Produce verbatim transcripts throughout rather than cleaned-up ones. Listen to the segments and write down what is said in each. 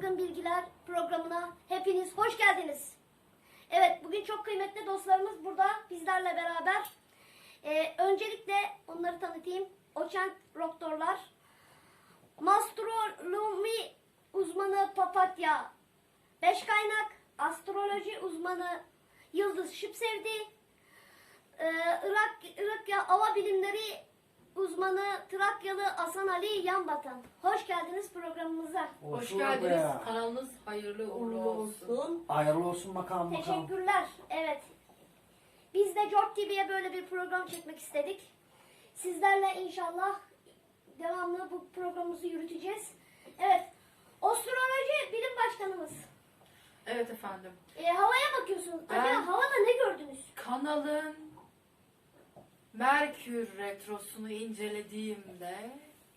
Çılgın Bilgiler programına hepiniz hoş geldiniz. Evet, bugün çok kıymetli dostlarımız burada bizlerle beraber. Ee, öncelikle onları tanıtayım. Doçent doktorlar, Mastronomi uzmanı Papatya Beşkaynak, astroloji uzmanı Yıldız Şıpsevdi, ee, Irak, Irakya Hava Bilimleri uzmanı Trakyalı Hasan Ali Yanbatan. Hoş geldiniz programımıza. Hoş, Hoş bulduk geldiniz. be. Kanalınız hayırlı uğurlu olsun. Hayırlı olsun bakalım bakalım. Teşekkürler. Evet. Biz de Jork T V'ye böyle bir program çekmek istedik. Sizlerle inşallah devamlı bu programımızı yürüteceğiz. Evet. Astroloji bilim başkanımız. Evet efendim. E, havaya bakıyorsunuz. Ben- Acaba havada ne gördünüz? Kanalın Merkür retrosunu incelediğimde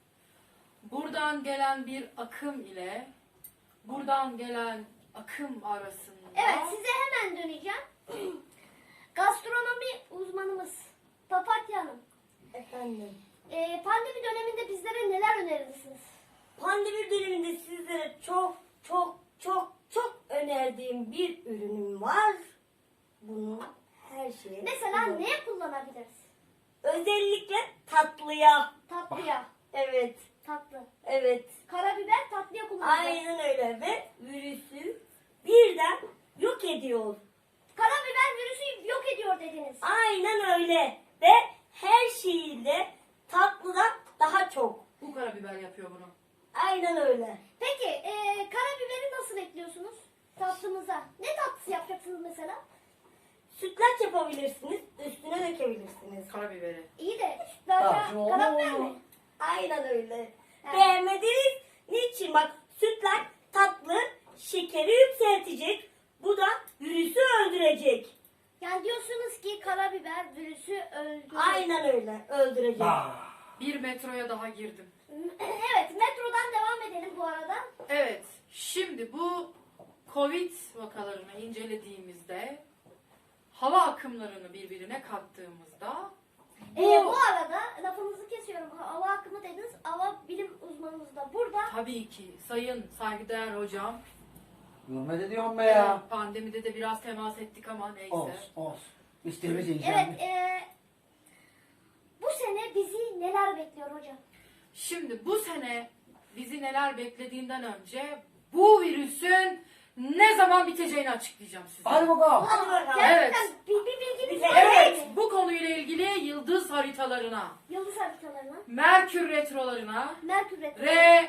buradan gelen bir akım ile buradan gelen akım arasında Evet, size hemen döneceğim. Gastronomi uzmanımız Papatya Hanım. Efendim, E, pandemi döneminde bizlere neler önerirsiniz? pandemi döneminde sizlere çok çok çok çok önerdiğim bir ürünüm var. Bunu her şeye Mesela kullan- neye kullanabiliriz? Özellikle tatlıya. Tatlıya. Evet, Tatlı. evet. Karabiber tatlıya kullanılıyor. Aynen öyle ve virüsü birden yok ediyor. Karabiber virüsü yok ediyor dediniz. Aynen öyle ve her şeyiyle tatlıdan daha çok. bu karabiber yapıyor bunu. Aynen öyle. Peki e, karabiberi nasıl ekliyorsunuz tatlımıza? Ne tatlısı yapacaksınız mesela? Sütlaç yapabilirsiniz, üstüne dökebilirsiniz. Karabiberi. İyi de Tamam, sütlaça şimdi oldu karabiber mu? mi? Aynen öyle. Evet. Beğenmediniz. Niçin? Bak sütlaç tatlı şekeri yükseltecek. Bu da virüsü öldürecek. Yani diyorsunuz ki karabiber virüsü öldürüyor. Aynen öyle. Öldürecek. Ah, Bir metroya daha girdim. Evet, metrodan devam edelim bu arada. Evet, şimdi bu Covid vakalarını incelediğimizde hava akımlarını birbirine kattığımızda E, bu arada lafınızı kesiyorum. Hava akımı dediniz. Hava bilim uzmanımız da burada. tabii ki sayın saygıdeğer hocam, Hürmet ediyorum be ya. pandemide de biraz temas ettik ama neyse. Olsun olsun. Biz temiz Evet, yiyeceğim. e, bu sene bizi neler bekliyor hocam? Şimdi bu sene bizi neler beklediğinden önce bu virüsün ne zaman biteceğini açıklayacağım size. Hadi bakalım. Hadi bakalım. Gerçekten Evet. bir, bir bilginiz Evet. var Evet, mı? bu konuyla ilgili yıldız haritalarına, Yıldız haritalarına, Merkür retrolarına Merkür retrosu ve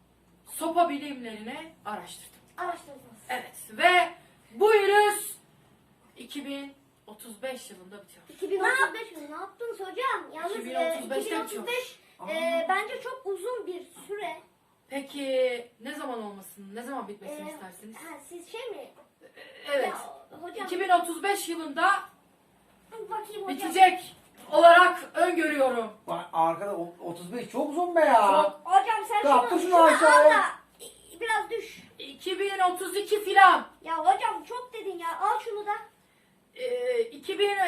sopa bilimlerine araştırdım. araştırdınız. Evet ve bu virüs iki bin otuz beş yılında bitiyor. iki bin otuz beş mi? Ne yaptınız hocam? Yalnız iki bin e, otuz beşte iki bin otuz beş bitiyor. e, bence çok uzun bir süre. Peki ne zaman olmasını, ne zaman bitmesini E, istersiniz? ha, siz şey mi? Evet, Ya, hocam iki bin otuz beş yılında bakayım hocam. bitecek olarak öngörüyorum. Bak arkada o- otuz beş çok uzun be ya. Çok. Hocam sen Kalk, şunu, şunu şunu al aşağıya. da e, biraz düş. iki bin otuz iki filan. Ya hocam çok dedin ya. Al şunu da. Ee, iki bin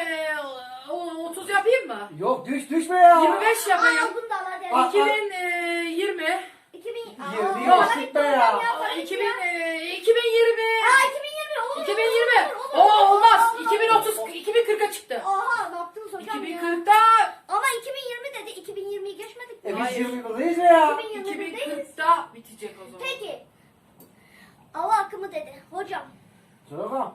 otuz yapayım mı? Yok düş düş be ya. yirmi beş Al yapayım. bunu da al hadi. Al. iki bin yirmi. iki bin Yirmi Aa, yaşlık be ya. para bitti iki bin iki bin yirmi. Aa iki bin yirmi olur. iki bin olur, yirmi. olur, O olur, olmaz. olur, iki bin otuz olur. iki bin kırka çıktı. Aha ne yaptınız hocam iki bin ya? kırkta Ama iki bin yirmi dedi. iki bin yirmiyi geçmedik mi? E biz Hayır. yirmi yıldayız be ya. iki bin iki bin yirmideyiz. kırkta bitecek o zaman. Peki. Hava akımı dedi. Hocam Söyle bakalım.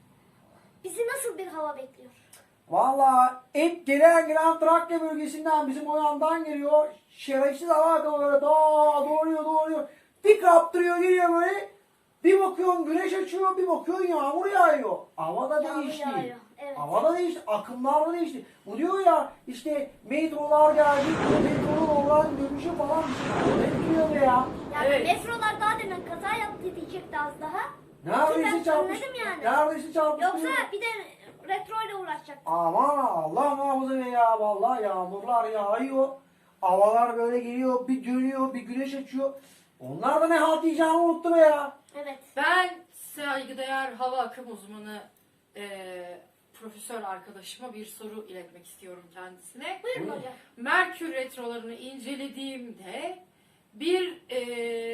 bizi nasıl bir hava bekliyor? Valla ilk gelen gelen Trakya bölgesinden bizim o yandan geliyor. Şerefsiz hava akımları daha doğruyor doğruyor. Bir kaptırıyor geliyor böyle. Bir bakıyorsun güneş açıyor, bir bakıyorsun yağmur yağıyor. Hava da Yağmur değişti. yağıyor, evet. Hava da değişti, akımlar da değişti. Bu diyor ya işte metrolar geldi, metronun oradan dönüşü falan. Ne diyor be ya? Yani Evet. metrolar daha demin kaza yaptı diyecekti az daha. Neredeyse Ben çarpmış. anladım yani. Neredeyse çarpmış. Yoksa bir de retro ile uğraşacak. Aman Allah muhafaza be ya. Vallahi yağmurlar yağıyor. Havalar böyle geliyor, bir dönüyor, bir güneş açıyor. Onlar da ne halt diyeceğini unuttu be ya. Evet. Ben saygıdeğer hava akım uzmanı eee, profesör arkadaşıma bir soru iletmek istiyorum kendisine. Buyurun Buyurun. hocam. Merkür retrolarını incelediğimde bir eee hava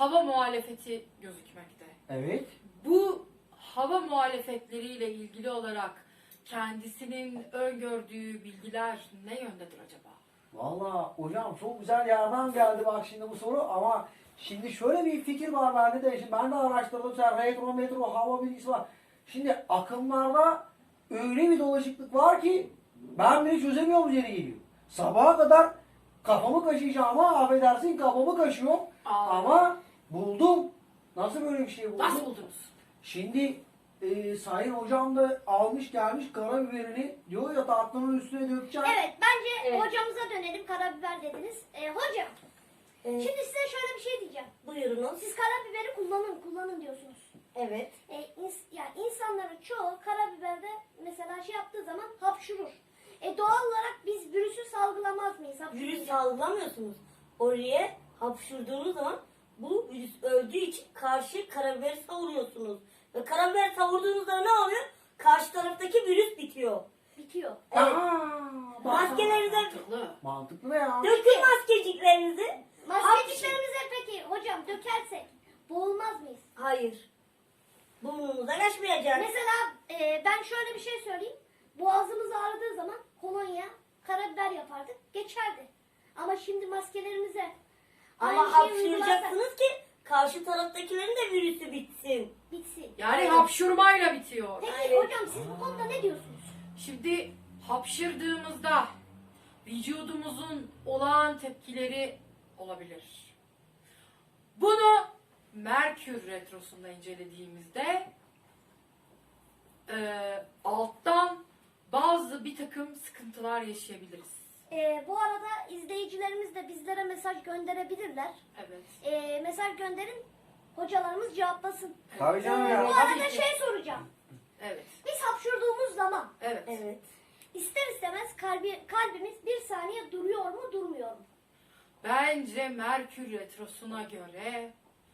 hava muhalefeti gözükmekte. Evet. Bu hava muhalefetleriyle ilgili olarak kendisinin öngördüğü bilgiler ne yöndedir acaba? Valla hocam çok güzel yerden geldi bak şimdi bu soru ama şimdi şöyle bir fikir var bende de. Şimdi ben de araştırdım. Sen retro metro hava bilgisi var. Şimdi akımlarda öyle bir dolaşıklık var ki ben bile çözemiyorum yeri geliyor. Sabaha kadar kafamı kaşıyacağım ama affedersin kafamı kaşıyorum. Aa. Ama buldum. Nasıl böyle bir şey buldum? Nasıl buldunuz? Şimdi e, Sayın hocam da almış gelmiş karabiberini diyor ya tatlının üstüne dökeceğim. Evet bence Evet. hocamıza dönelim. Karabiber dediniz. Ee, hocam Ee, şimdi size şöyle bir şey diyeceğim. buyurunuz. Siz karabiberi kullanın kullanın diyorsunuz. Evet. E, ins yani insanların çoğu karabiberde mesela şey yaptığı zaman hapşurur. E, doğal olarak biz virüsü salgılamaz mıyız? Virüs Hapşurunca? salgılamıyorsunuz. Oraya hapşurduğunuz zaman bu virüs öldüğü için karşı karabiberi savuruyorsunuz. Ve karabiberi savurduğunuzda ne oluyor? Karşı taraftaki virüs bitiyor. Bitiyor. Evet. Aa, bak. Maskelerinize Mantıklı. Mantıklı ne ya? dökün maskeciklerinizi. Maskeciklerimize peki hocam dökersek boğulmaz mıyız? Hayır. Burnunuza kaçmayacak. Mesela e, ben şöyle bir şey söyleyeyim. Boğazımız ağrıdığı zaman kolonya, karabiber yapardık. Geçerdi. Ama şimdi maskelerimize Ama aynı şeyi uygularsak hapşıracaksınız ki karşı taraftakilerin de virüsü bitsin. bitsin. Yani Aynen. hapşurmayla bitiyor. Peki Aynen. hocam siz bu konuda ne diyorsunuz? Şimdi hapşırdığımızda vücudumuzun olağan tepkileri olabilir. Bunu Merkür Retrosu'nda incelediğimizde e, alttan bazı bir takım sıkıntılar yaşayabiliriz. Ee, bu arada izleyicilerimiz de bizlere mesaj gönderebilirler. Evet. Ee, mesaj gönderin, hocalarımız cevaplasın. Tabii canım Ee, ya. bu Tabii arada ki. şey soracağım. Evet. Biz hapşurduğumuz zaman Evet. Evet. ister istemez kalbi, kalbimiz bir saniye duruyor mu durmuyor mu? Bence Merkür Retrosu'na göre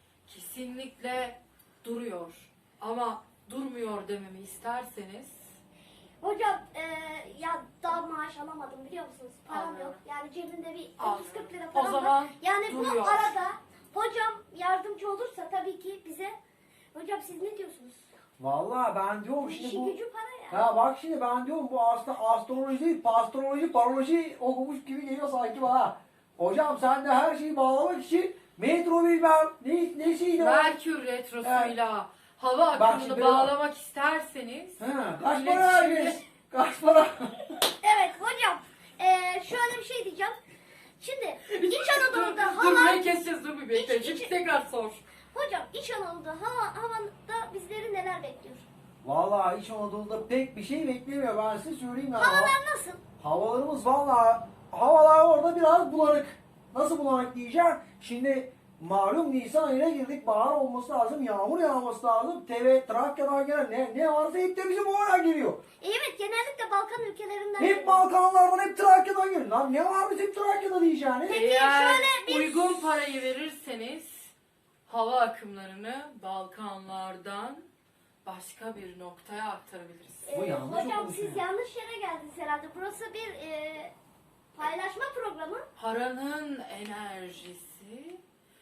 kesinlikle duruyor. Ama durmuyor dememi isterseniz Hocam e, ya daha maaş alamadım biliyor musunuz? Param Anlıyorum. yok. Yani cebimde bir Anlıyorum. otuz kırk lira O param zaman var. Yani duruyor. bu arada hocam yardımcı olursa tabii ki bize. Hocam siz ne diyorsunuz? Valla ben diyorum İşi şimdi bu... gücü para ya. Ya bak şimdi ben diyorum bu aslında astroloji değil, pastroloji, paroloji okumuş gibi geliyor sanki bana. Hocam sen de her şeyi bağlamak için metro bilmem ne, nesiydi o? Merkür Retrosu'yla hava Bak akımını şimdi bağlamak isterseniz Ha, kaç iletişimde- para herkes? Kaç para? Evet hocam e, şöyle bir şey diyeceğim. Şimdi İç Anadolu'da Dur hava... ne keseceğiz dur bir bekle. İç- Şimdi iç- tekrar sor. Hocam İç Anadolu'da hava, havada bizleri neler bekliyor? Valla İç Anadolu'da pek bir şey beklemiyor ben size söyleyeyim ya. Havalar nasıl? Havalarımız valla havalar orada biraz bulanık. Nasıl bulanık diyeceğim? Şimdi malum Nisan ayına girdik. Bahar olması lazım. Yağmur yağması lazım. T V Trakya'dan gelen ne, ne varsa hep de bizim oraya geliyor. E, evet genellikle Balkan ülkelerinden. Hep geliyor. Balkanlardan hep Trakya'dan geliyor. Lan ne var bizim Trakya'da diyeceğini? Peki, Eğer şöyle bir- uygun parayı verirseniz hava akımlarını Balkanlardan başka bir noktaya aktarabiliriz. E, Bu yanlış hocam okumuş siz ya. yanlış yere geldiniz herhalde. Burası bir e, paylaşma programı. Paranın enerjisi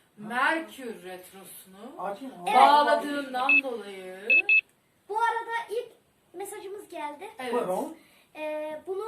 Merkür Retrosu'nu Açayım. Evet. bağladığından dolayı Bu arada ilk mesajımız geldi. evet. Buyurun. E, bunu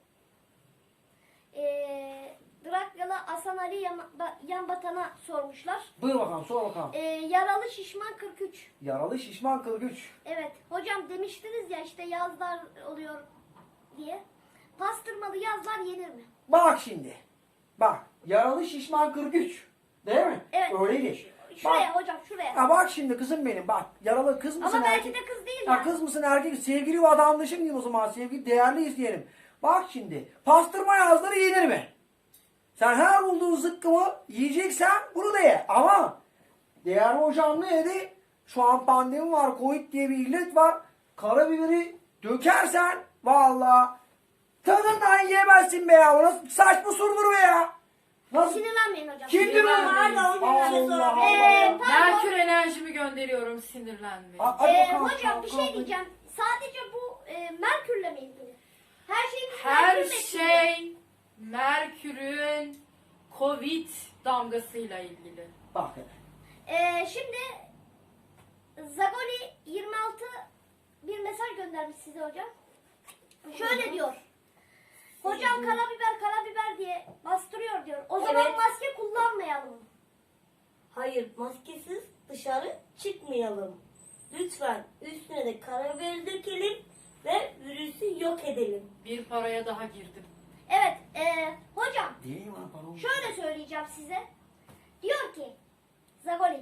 e, Drakyalı Hasan Ali Yan- Yanbatan'a sormuşlar. Buyur bakalım sor bakalım. E, yaralı şişman kırk üç. Yaralı şişman kırgıç. Evet. Hocam demiştiniz ya işte yazlar oluyor diye. Pastırmalı yazlar yenir mi? Bak şimdi. Bak. Yaralı şişman kırgıç. Değil mi? Evet. Öyleydi. Şuraya Bak. hocam şuraya. Ya bak şimdi kızım benim bak. Yaralı kız mısın Ama belki erkek? de kız değil Ya yani. kız mısın erkek? Sevgili vatandaşım diyeyim o zaman. Sevgili değerli izleyenim. Bak şimdi. Pastırma yazları yenir mi? Sen her bulduğun zıkkımı yiyeceksen bunu da ye. Ama değerli hocam ne dedi? Şu an pandemi var. Covid diye bir illet var. Karabiberi dökersen valla tadından yemezsin be ya. Nasıl saçma sorulur be ya. Nasıl? Sinirlenmeyin hocam. Kim diyor lan? Pardon, bir tane Allah sorabilir Ee, Allah. pardon. Merkür enerjimi gönderiyorum sinirlenmeyin. A- hadi Ee, bakalım, hocam bir bakalım. şey diyeceğim. Sadece bu e, Merkür'le mi ilgili? Her şeyimiz Her Merkür'le ilgili. şey Merkür'ün Covid damgasıyla ilgili. Bak hele. Ee, şimdi Zagoli yirmi altı bir mesaj göndermiş size hocam. Şöyle diyor. Hocam karabiber karabiber diye bastırıyor diyor. O zaman Evet. maske kullanmayalım. Hayır, maskesiz dışarı çıkmayalım. Lütfen üstüne de karabiber dökelim ve virüsü yok edelim. Bir paraya daha girdim. Evet e, hocam Değil mi lan pardon? şöyle söyleyeceğim size. Diyor ki Zagoli,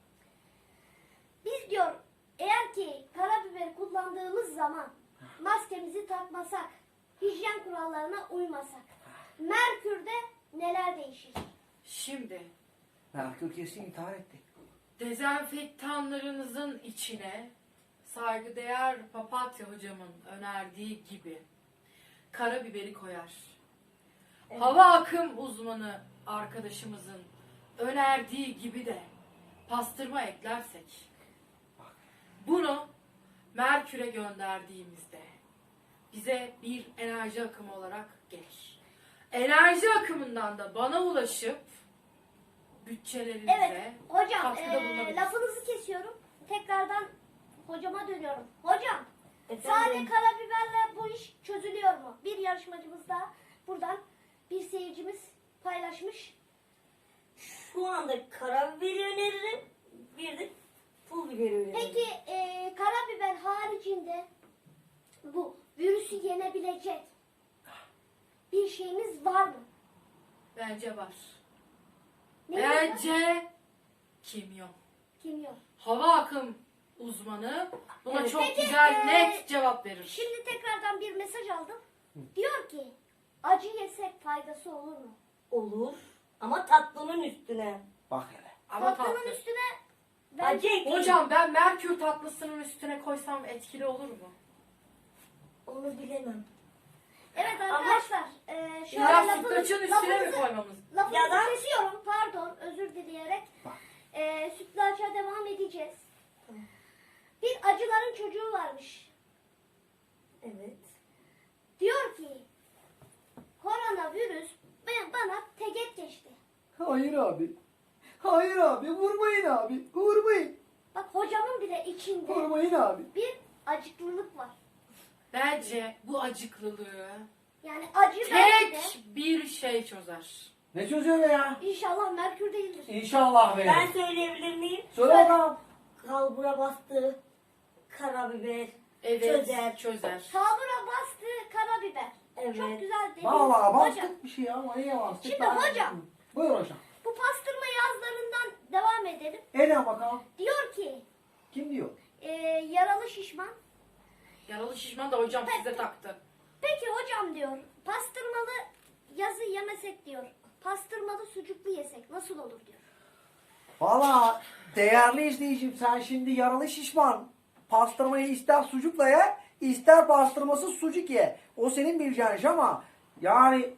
biz diyor eğer ki karabiber kullandığımız zaman maskemizi takmasak, hijyen kurallarına uymasak, Merkür'de neler değişir? Şimdi Merkür kesin intihar etti. dezenfektanlarınızın içine saygıdeğer papatya hocamın önerdiği gibi karabiberi koyar. Hava akım uzmanı arkadaşımızın önerdiği gibi de pastırma eklersek, bunu Merkür'e gönderdiğimizde bize bir enerji akımı olarak gelir. Enerji akımından da bana ulaşıp bütçelerinize Evet hocam katkıda e, bulunabilir. lafınızı kesiyorum. Tekrardan hocama dönüyorum. Hocam Efendim? sade karabiberle bu iş çözülüyor mu? Bir yarışmacımız da buradan bir seyircimiz paylaşmış. Şu anda karabiberi öneririm. Bir de pul biberi öneririm. Peki e, karabiber haricinde bu virüsü yenebilecek bir şeyimiz var mı? Bence var. Ne Bence kimyon. Kimyon. Hava akım uzmanı buna Evet. çok Peki, güzel e, net cevap verir. Şimdi tekrardan bir mesaj aldım. Diyor ki acı yesek faydası olur mu? Olur. Ama tatlının üstüne. Bak hele. Ama Tatlının tatlı. üstüne Acı bence ekleyin. Hocam ben Merkür tatlısının üstüne koysam etkili olur mu? Onu bilemem. evet arkadaşlar e, şöyle Biraz lafınız- sütlaçın üstüne mi lafınızı- koymamız? Lafınızı Ya da- kesiyorum pardon özür dileyerek. E, sütlaça devam edeceğiz. Tamam. Bir acıların çocuğu varmış. Evet. Diyor ki koronavirüs ben- bana teget geçti. Hayır abi. Hayır abi. Vurmayın abi. Vurmayın. Bak hocamın bile içinde Vurmayın abi. bir acıklılık var. Bence bu acıklılığı Yani acı belki de tek bir şey çözer. Ne çözüyor be ya? inşallah Merkür değildir. İnşallah be. Ben söyleyebilir miyim? Söyle bakalım. Kalbura bastı. Karabiber. Evet Çözer. çözer. Kalbura bastı karabiber. Evet. Çok güzel dediniz. Valla Hocam bastık bir şey ya. Ama niye bastık? Şimdi Ben- hocam. Buyur hocam. bu pastırma yazlarından devam edelim. Eden bakalım. Diyor ki Kim diyor? e, yaralı şişman. Yaralı şişman da hocam size taktı. Peki hocam diyor pastırmalı yazı yemesek diyor. Pastırmalı sucuklu yesek nasıl olur diyor. Valla değerli izleyicim sen şimdi yaralı şişman. Pastırmayı ister sucukla ye, ister pastırmasız sucuk ye. O senin bileceğin iş ama yani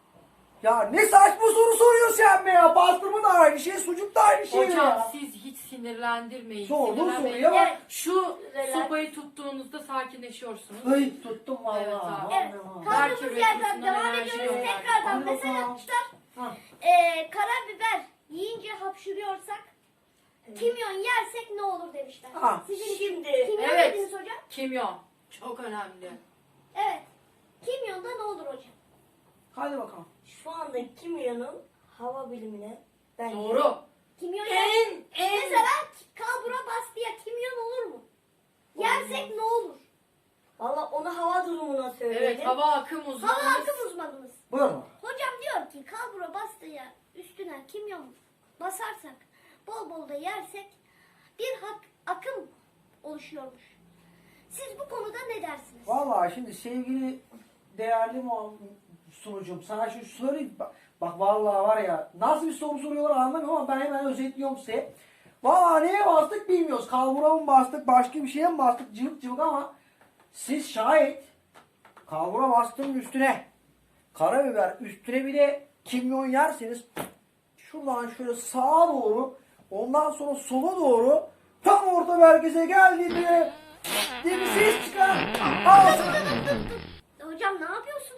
ya ne saçma soru soruyorsun sen be ya. Pastırma da aynı şey, sucuk da aynı şey Hocam ya. siz hiç sinirlendirmeyin. Sorduğun sinirlenmeyin. soruya bak. Evet, şu Relax. sopayı tuttuğunuzda sakinleşiyorsunuz. Ay tuttum valla. Evet abi. Evet Vallahi. kaldığımız Merkür yerden Retrosu'ndan devam enerji ediyoruz. gönderdik. Tekrardan Hadi mesaj bakalım. atmışlar. Ha. E, karabiber yiyince hapşırıyorsak kimyon yersek ne olur demişler. Ha. Sizin Şimdi, kimyon evet. dediniz hocam. Kimyon. Çok önemli. Evet. Kimyonda ne olur hocam? Hadi bakalım. Şu anda kimyonun hava bilimine bence Doğru. Kimyon En yer. en Mesela kalbura bastıya kimyon olur mu? Yersek ne olur? Valla onu hava durumuna söyledim. evet hava akım Hava uzmanımız. akım uzmanımız. Buyur bakalım. Hocam diyor ki kalbura bastıya üstüne kimyon basarsak bol bol da yersek bir hak, akım oluşuyormuş. Siz bu konuda ne dersiniz? Valla şimdi sevgili değerli mu sunucum sana şu söyleyeyim. Bak, bak vallahi var ya nasıl bir soru soruyorlar anlamıyorum ama ben hemen özetliyorum size. Valla neye bastık bilmiyoruz. Kalbura mı bastık başka bir şeye mi bastık cıvık cıvık ama siz şayet kalbura bastığın üstüne karabiber üstüne bir de kimyon yerseniz şuradan şöyle sağa doğru ondan sonra sola doğru tam orta merkeze geldiğinde diye bir ses çıkar. Ağzına Hocam ne yapıyorsunuz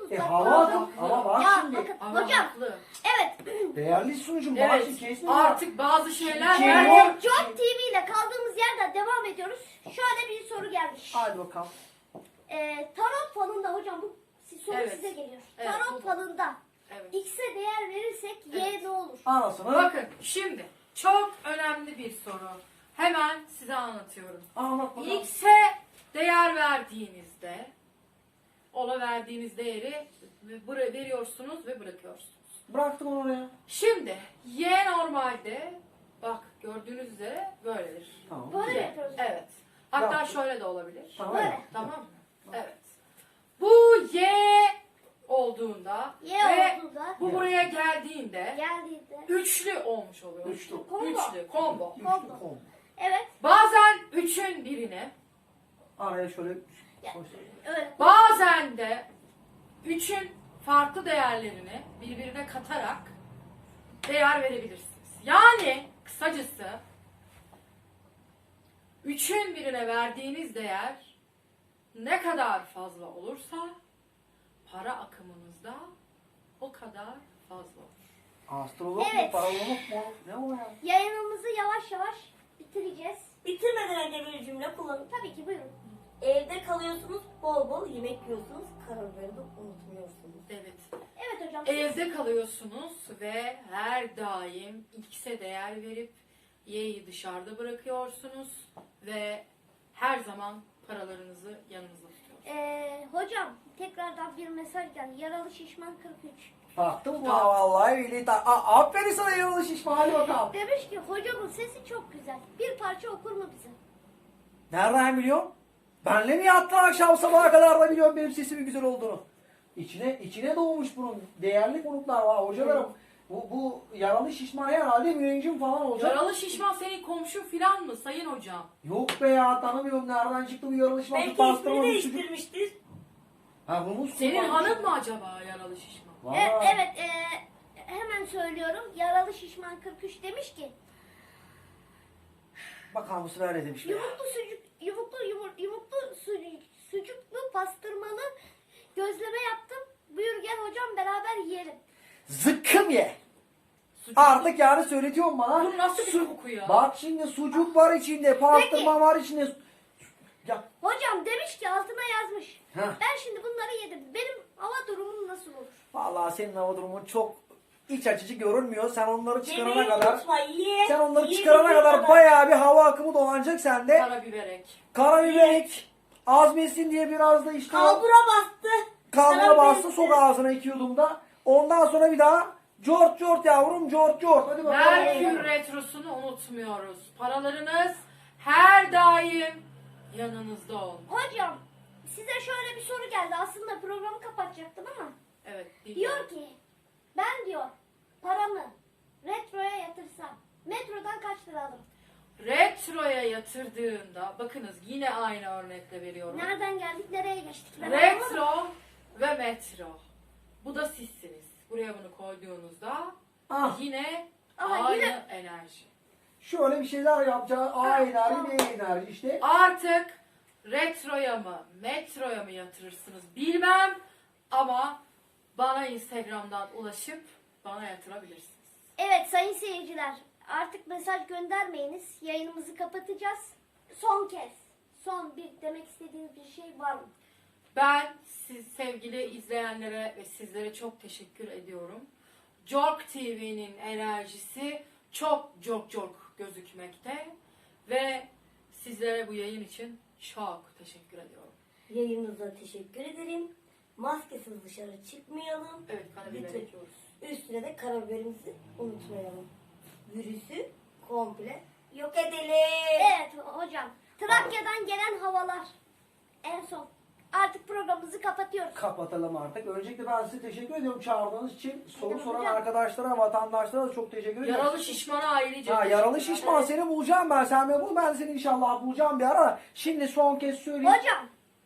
tutmak E lazım. hava, hava bak Ya şimdi. bakın Ama hocam. haklı. Evet. Değerli sunucum bak Evet. şimdi kesme. Artık bazı şeyler Şey var. yok. Job T V ile kaldığımız yerden devam ediyoruz. Şöyle bir soru gelmiş. Hadi bakalım. Ee, tarot falında hocam bu soru Evet. size geliyor. Evet, Tarot bu- Evet. Evet. X'e değer verirsek Y Evet. ne olur? Anasını Bakın şimdi çok önemli bir soru. Hemen size anlatıyorum. anlat bakalım. X'e değer verdiğinizde ona verdiğiniz değeri bıra- veriyorsunuz ve bırakıyorsunuz. Bıraktım onu oraya. Şimdi Y normalde bak gördüğünüz üzere böyledir. Tamam. Böyle mi Y. yapıyoruz? Evet. Hatta Yaptım. şöyle de olabilir. Tamam. Böyle. Tamam mı? Evet. Bu Y olduğunda Y ve olduğunda bu buraya geldiğinde geldiğinde. üçlü olmuş oluyor. Üçlü. Combo. Üçlü, combo. Üçlü Combo. kol. Evet. Bazen üçün birine, Araya şöyle Ya. koy. Öyle. bazen de üçün farklı değerlerini birbirine katarak değer verebilirsiniz. Yani kısacası üçün birine verdiğiniz değer ne kadar fazla olursa para akımınızda o kadar fazla olur. Astrolog mu, Evet. paralog mu? Ne o ya? Yayınımızı yavaş yavaş bitireceğiz. Bitirmeden önce bir cümle kullanın. Tabii ki buyurun. Evde kalıyorsunuz, bol bol yemek yiyorsunuz, karabiberini de unutmuyorsunuz. Evet. Evet hocam. siz- Evde kalıyorsunuz ve her daim X'e değer verip Y'yi dışarıda bırakıyorsunuz ve her zaman paralarınızı yanınızda tutuyorsunuz. Ee, hocam tekrardan bir mesaj geldi. Yaralı şişman kırk üç. Baktım mı? Tamam. Vallahi billahi. ta- A- Aferin sana yaralı şişman. Hadi bakalım. Demiş ki hocamın sesi çok güzel. Bir parça okur mu bize? Nereden biliyorsun? Benle mi yattın akşam sabaha kadar da biliyorum benim sesimin güzel olduğunu. İçine içine doğmuş bunun. Değerli konuklar var hocalarım. Bu, bu yaralı şişman herhalde müneccim falan olacak. Yaralı şişman senin komşun filan mı sayın hocam? Yok be ya tanımıyorum nereden çıktı bu yaralı şişman. Belki Pastırma ismini bir çocuk. değiştirmiştir. Ha Humus Senin kullanmış. hanım mı acaba yaralı şişman? E, Vay. evet e, hemen söylüyorum. Yaralı şişman kırk üç demiş ki Bakalım bu sefer ne demiş be. yumurtlu sucuk yumurtlu yumur, yumurtlu sucuk, sucuklu pastırmalı gözleme yaptım. Buyur gel hocam beraber yiyelim. Zıkkım ye. Sucuk- Artık yani söyletiyorsun bana. Bu nasıl bir Su- koku ya? Bak şimdi sucuk var içinde, pastırma var içinde. Ya, Hocam demiş ki altına yazmış. Heh. Ben şimdi bunları yedim. Benim hava durumum nasıl olur? vallahi senin hava durumun çok iç açıcı görünmüyor. Sen onları çıkarana Yemeği kadar, unutma, ye. sen onları Ye çıkarana dediğin kadar bayağı bir hava akımı dolanacak sende. Karabiberek. Karabiberik, azmesin diye biraz da işte o Kalbura bastı. kalbura Karabiber- bastı, sok ağzına iki yudumda. Ondan sonra bir daha cort cort yavrum, cort cort. Hadi bakalım. Merkür Retrosu'nu unutmuyoruz. Paralarınız her daim yanınızda olmalı. Hocam size şöyle bir soru geldi. Aslında programı kapatacaktım ama. Evet. dinliyorum. Diyor ki ben diyor paramı retroya yatırsam metrodan kaç lira alırım? Retroya yatırdığında, bakınız yine aynı örnekle veriyorum. Nereden geldik nereye geçtik? Ben anlamadım. Retro ve metro. Bu da sizsiniz. Buraya bunu koyduğunuzda Ah, yine Ama aynı yine- enerji. şöyle bir şeyler yapacağız. A Ha, enerji, tamam. B enerji işte. Artık retroya mı, metroya mı yatırırsınız bilmem ama bana Instagram'dan ulaşıp bana yatırabilirsiniz. Evet sayın seyirciler artık mesaj göndermeyiniz. Yayınımızı kapatacağız. Son kez. Son bir demek istediğiniz bir şey var mı? Ben siz sevgili izleyenlere ve sizlere çok teşekkür ediyorum. Jork T V'nin enerjisi çok çok çok gözükmekte ve sizlere bu yayın için çok teşekkür ediyorum. Yayınınıza teşekkür ederim. Maskesiz dışarı çıkmayalım. Evet, karabiber Lütfen. ekiyoruz. Üstüne de karabiberimizi unutmayalım. Virüsü komple yok edelim. Evet hocam. Trakya'dan gelen havalar. En son. Artık programımızı kapatıyoruz. Kapatalım artık. Öncelikle ben size teşekkür ediyorum çağırdığınız için. Soru Hocam, soran hocam. arkadaşlara, vatandaşlara da çok teşekkür ediyorum. Yaralı şişmana ayrıca Ha, yaralı teşekkürler. şişman seni bulacağım ben. Sen beni bul, ben seni inşallah bulacağım bir ara. Şimdi son kez söyleyeyim. Hocam.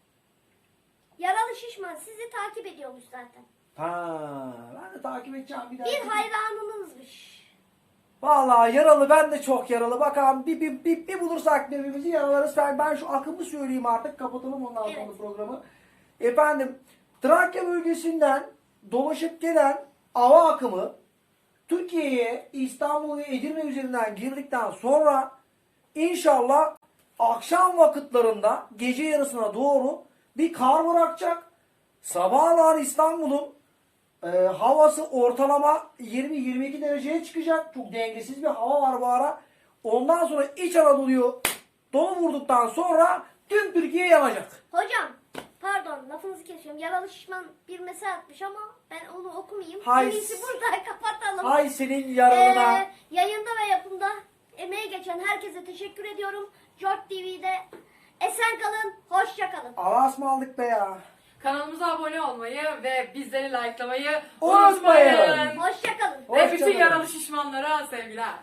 Yaralı şişman sizi takip ediyormuş zaten. Ha, ben de takip edeceğim bir daha. Bir hayranınızmış. Vallahi yaralı, ben de çok yaralı. Bakalım bir, bir, bir, bir bulursak birbirimizi yaralarız. Ben, ben şu akımı söyleyeyim artık. Kapatalım ondan sonra Evet. programı. Efendim Trakya bölgesinden dolaşıp gelen hava akımı Türkiye'ye, İstanbul ve Edirne üzerinden girdikten sonra inşallah akşam vakitlerinde gece yarısına doğru bir kar bırakacak. Sabahlar İstanbul'un e, havası ortalama yirmi yirmi iki dereceye çıkacak. Çok dengesiz bir hava var bu ara. Ondan sonra İç Anadolu'yu dolu vurduktan sonra tüm Türkiye yanacak. Hocam pardon lafınızı kesiyorum. Yaralı şişman bir mesaj atmış ama ben onu okumayayım. Hay- En iyisi burada kapatalım. Hay senin yararına. Ee, yayında ve yapımda emeği geçen herkese teşekkür ediyorum. Jort T V'de esen kalın, hoşça kalın. Allah'a ısmarladık be ya. Kanalımıza abone olmayı ve bizleri likelamayı Unutmayın. unutmayın. Hoşça kalın. Ve bütün Hoşçakalın. yaralı şişmanlara sevgiler.